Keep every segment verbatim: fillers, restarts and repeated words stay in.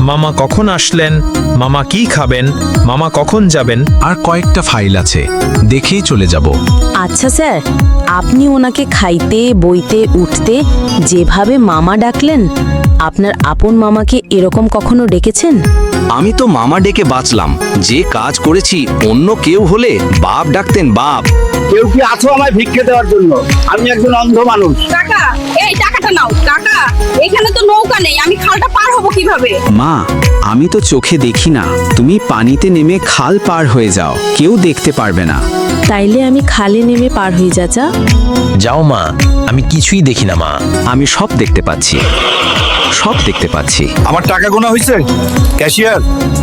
মামা কখন আসলেন, মামা কি খাবেন, মামা কখন যাবেন। আর কয়েকটা ফাইল আছে, দেখেই চলে যাব। আচ্ছা স্যার, আপনি ওনাকে খাইতে বইতে উঠতে যেভাবে মামা ডাকলেন, আপনার আপন মামাকে এরকম কখনো ডেকেছেন? আমি তো মামা ডেকে বাঁচলাম, যে কাজ করেছি অন্য কেউ হলে বাপ ডাকতেন বাপ। কেউ কি আছো আমায় ভিক্ষে দেওয়ার জন্য? আমি একজন অন্ধ মানুষ। কাকা, এই টাকাটা নাও। কাকা, এখানে তো নৌকা নেই, আমি খালটা পার হব কিভাবে? মা, আমি তো চোখে দেখি না, তুমি পানিতে নেমে খাল পার হয়ে যাও, কেউ দেখতে পারবে না। তাইলে আমি খালে নেমে পার হই চাচা। যাও মা, আমি কিছুই দেখি না মা। আমি সব দেখতে পাচ্ছি, সব দেখতে পাচ্ছি। আমার টাকা গোনা হয়েছে? ক্যাশিয়ার।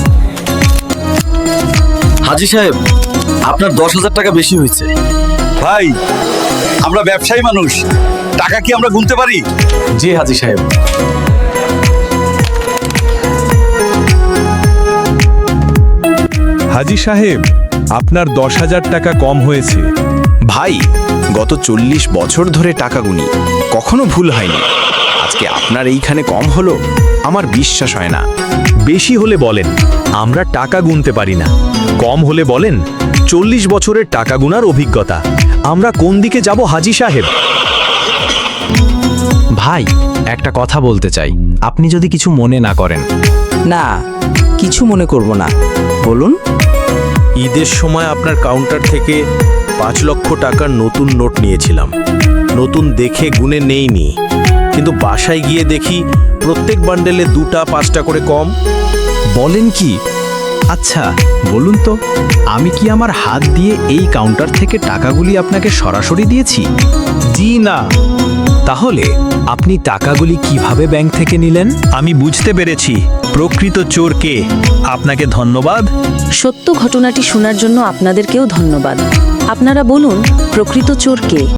হাজি সাহেব, আপনার দশ হাজার টাকা বেশি হয়েছে। ভাই, আমরা ব্যবসায়ী মানুষ, টাকা কি আমরা গুনতে পারি? জি হাজি সাহেব। হাজি সাহেব, আপনার দশ হাজার টাকা কম হয়েছে। ভাই, গত চল্লিশ বছর ধরে টাকা গুনি, কখনো ভুল হয়নি। আজকে আপনার এইখানে কম হলো, আমার বিশ্বাস হয় না। বেশি হলে বলেন আমরা টাকা গুনতে পারি না, কম হলে বলেন চল্লিশ বছরের টাকা গুনার অভিজ্ঞতা। আমরা কোন দিকে যাব হাজি সাহেব? ভাই, একটা কথা বলতে চাই, আপনি যদি কিছু মনে না করেন। না, কিছু মনে করব না, বলুন। ঈদের সময় আপনার কাউন্টার থেকে পাঁচ লক্ষ টাকার নতুন নোট নিয়েছিলাম। নতুন দেখে গুনে নেইনি, কিন্তু বাসায় গিয়ে দেখি প্রত্যেক বান্ডেলে দুটা পাঁচটা করে কম। বলেন কি? আচ্ছা বলুন তো, আমি কি আমার হাত দিয়ে এই কাউন্টার থেকে টাকাগুলি আপনাকে সরাসরি দিয়েছি? জি না। তাহলে আপনি টাকাগুলি কিভাবে ব্যাংক থেকে নিলেন? আমি বুঝতে পেরেছি প্রকৃত চোর কে। আপনাকে ধন্যবাদ। সত্য ঘটনাটি শোনার জন্য আপনাদেরকেও ধন্যবাদ। আপনারা বলুন, প্রকৃত চোর কে?